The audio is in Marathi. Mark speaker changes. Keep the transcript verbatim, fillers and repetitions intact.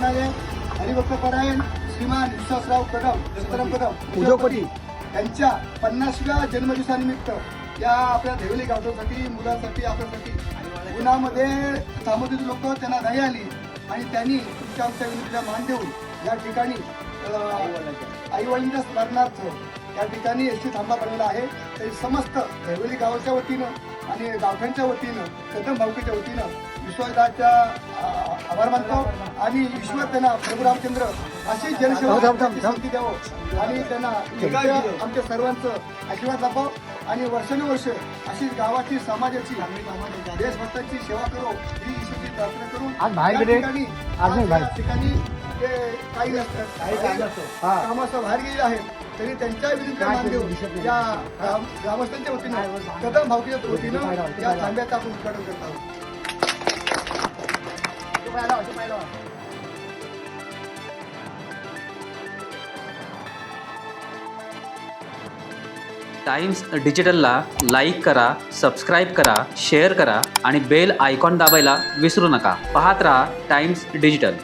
Speaker 1: करणारे हरिभक्त परायण श्रीमान विश्वासराव कदम सीताराम कदम
Speaker 2: उद्योगपती
Speaker 1: यांच्या पन्नासव्या जन्मदिवसानिमित्त या आपल्या देवली गावठासाठी मुलांसाठी आपल्यासाठी उन्हामध्ये थांबवलेली लोक त्यांना नाही आली आणि त्यांनी तुमच्या आमच्या विनंतीला मान देऊन या ठिकाणी आई वडिलांच्या स्मरणार्थ या ठिकाणी एस टी थांबा बनवला आहे. तरी समस्त देवली गावाच्या वतीनं आणि गावठांच्या वतीनं कदम भाऊकीच्या वतीनं विश्वासदाच्या आभार मानतो आणि ईश्वर त्यांना प्रभू रामचंद्र अशी जनसेवा संधी द्यावं आणि त्यांना आमच्या सर्वांचं आशीर्वाद लाभाव आणि वर्षानुवर्ष अशी गावाची समाजाची देशभक्तांची सेवा करू ही ईश्वरची प्रार्थना करून या ठिकाणी ते काही नसतात कामाचं बाहेर गेले आहेत तरी त्यांच्या विरुद्ध मान देऊन या ग्रामस्थांच्या वतीनं कदम भावकीच्या वतीनं या थांब्याचं आपण उद्घाटन करत आहोत.
Speaker 3: टाइम्स डिजिटलला लाईक करा, सबस्क्राईब करा, शेअर करा आणि बेल आयकॉन दाबायला विसरू नका. पाहत रहा टाइम्स डिजिटल.